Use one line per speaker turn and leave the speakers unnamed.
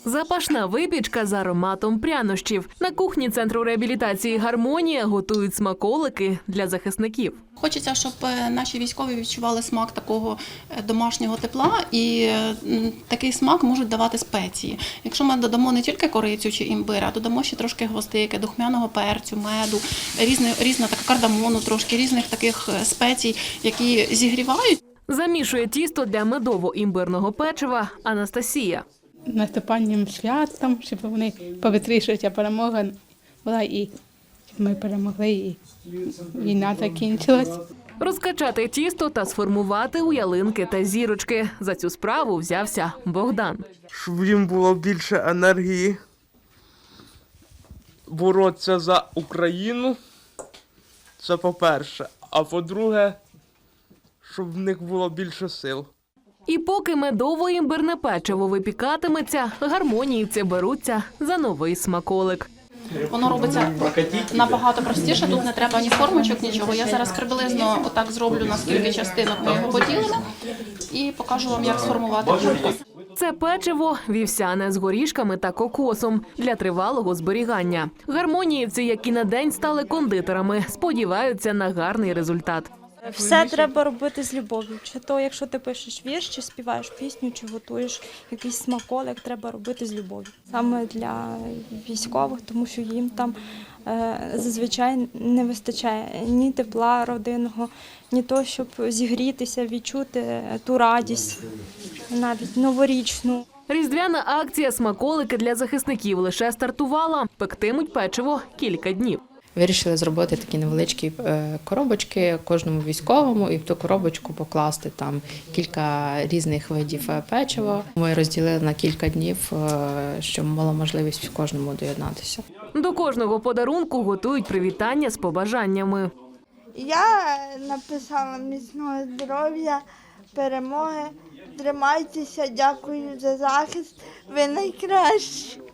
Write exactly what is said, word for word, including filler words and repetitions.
Запашна випічка з ароматом прянощів. На кухні Центру реабілітації «Гармонія» готують смаколики для захисників.
Хочеться, щоб наші військові відчували смак такого домашнього тепла, і такий смак можуть давати спеції. Якщо ми додамо не тільки корицю чи імбир, а додамо ще трошки гвоздики, духмяного перцю, меду, різне, різне так, кардамону, трошки різних таких спецій, які зігрівають.
Замішує тісто для медово-імбирного печива Анастасія.
Наступанням святом, щоб вони повитрішується перемога була і ми перемогли, і війна закінчилась.
Розкачати тісто та сформувати у ялинки та зірочки. За цю справу взявся Богдан.
Щоб їм було більше енергії боротися за Україну, це по-перше. А по-друге, щоб в них було більше сил.
І поки медово-імбирне печиво випікатиметься, гармоніївці беруться за новий смаколик.
Воно робиться набагато простіше, тут не треба ні формочок, нічого. Я зараз приблизно отак зроблю, на скільки частинок ми його поділимо, і покажу вам, як сформувати кульку.
Це печиво вівсяне з горішками та кокосом для тривалого зберігання. Гармоніївці, які на день стали кондитерами, сподіваються на гарний результат.
Все треба робити з любов'ю. Чи то, якщо ти пишеш вірш, чи співаєш пісню, чи готуєш якийсь смаколик, треба робити з любов'ю. Саме для військових, тому що їм там е, зазвичай не вистачає ні тепла родинного, ні того, щоб зігрітися, відчути ту радість, навіть новорічну.
Різдвяна акція «Смаколики для захисників» лише стартувала. Пектимуть печиво кілька днів.
Вирішили зробити такі невеличкі коробочки кожному військовому і в ту коробочку покласти там кілька різних видів печива. Ми розділили на кілька днів, щоб мала можливість кожному доєднатися.
До кожного подарунку готують привітання з побажаннями.
Я написала міцного здоров'я, перемоги, тримайтеся, дякую за захист, ви найкращі.